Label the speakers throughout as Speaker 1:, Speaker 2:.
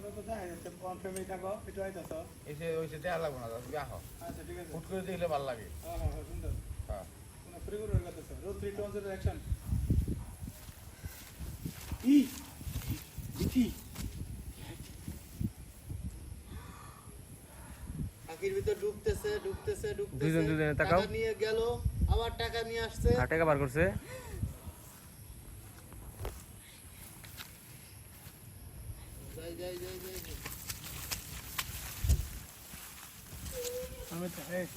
Speaker 1: তো যাই যাচ্ছে কোন ফ্যামিলি থাকো একটু আইতাছো
Speaker 2: এসে ওইসে দেয়া লাগবো না তুমি আহ
Speaker 1: আচ্ছা ঠিক আছে
Speaker 2: হুট করে দেখলে ভালো লাগে
Speaker 1: হ্যাঁ হ্যাঁ সুন্দর
Speaker 2: হ্যাঁ
Speaker 1: কোনো ফ্রি করে রাখতেছো রোল 3 2 1 অ্যাকশন ই দেখি
Speaker 3: আখির ভিতর ঢুকতেছে
Speaker 4: দুইজনে তাকাও।
Speaker 3: টাকা নিয়ে গেল আবার টাকা নিয়ে আসছে
Speaker 4: টাকা বার করছে
Speaker 3: যাই
Speaker 1: আমি তো এই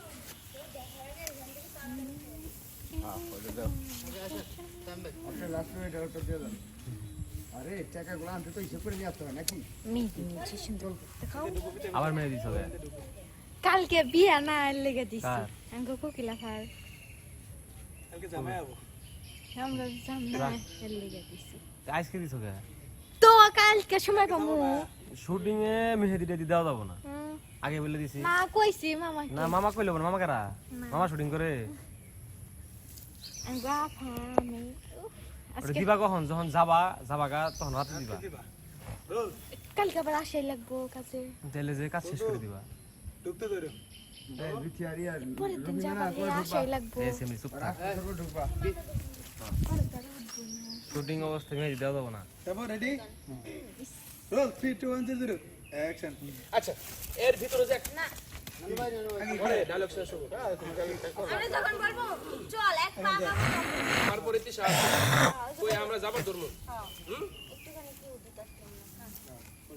Speaker 2: হ্যাঁ ওটা দাও
Speaker 3: থামবে
Speaker 2: আপনি লাস্ট মিনিটে ওটা দিয়ে দেন আরে টাকাগুলো আনতে তো হিসেব করে নিয়ে আসতে হবে নাকি
Speaker 5: মেহেদি নিয়েছি সুন্দর দেখাও
Speaker 4: আবার মেরে দিছ গে
Speaker 5: কালকে বিয়া না লেগে দিছি
Speaker 4: কার?
Speaker 5: আঙ্গো কোকিলা ফার
Speaker 1: কালকে জামাই আবো
Speaker 5: আমরা জানা লেগে দিছি
Speaker 4: আজকে দিছ গে
Speaker 5: তো কালকে সময় পামু
Speaker 4: শুটিং এ মেহেদিটা দি দেওয়া যাব না আগে বলে দিছি
Speaker 5: না কইছি মামা
Speaker 4: না মামা কইলো না মামা কারা মামা শুটিং করে
Speaker 5: আঙ্গো আফা আমি
Speaker 4: ওটা
Speaker 5: আজকে
Speaker 4: দিবা কখন যখন যাবাগা তখন রাতে দিবা
Speaker 1: দিবা রোল
Speaker 5: কালকে আবার আসাই লাগবো কাছে
Speaker 4: তাহলে যে কাজ শেষ করে দিবা
Speaker 1: ঢুকতে ধরো
Speaker 2: বিটিআরি আর
Speaker 5: পরের দিন যাবা আসাই লাগবো
Speaker 4: এ সেমনি চুপ থাক
Speaker 2: রাস্তা ঢুকবা
Speaker 4: শুটিং অবস্থায় মেহেদি দেওয়া যাব না
Speaker 1: তারপর রেডি রোল 3 2 1 0 অ্যাকশন
Speaker 6: আচ্ছা এর ভিতরে যে
Speaker 5: না
Speaker 6: ডায়লগ শেষ হবে হ্যাঁ তুমি ডায়লগটা করো
Speaker 5: আমি যখন বলবো চল এক পা
Speaker 6: তারপরে তিশা কই আমরা যাবার ধর্ম
Speaker 5: একটুখানি কি উদিত আসলাম না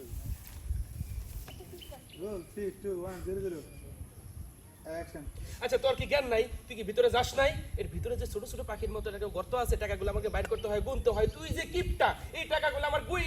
Speaker 1: রোল 3 2 1 0 অ্যাকশন
Speaker 6: আচ্ছা তোর কি জ্ঞান নাই তুই কি ভিতরে যাস নাই এর ভিতরে যে ছোট ছোট পাখির মতো একটা গর্ত আছে টাকাগুলো আমাকে বাইর করতে হয় গুনতে হয় তুই যে কিপটা এই টাকাগুলো আমার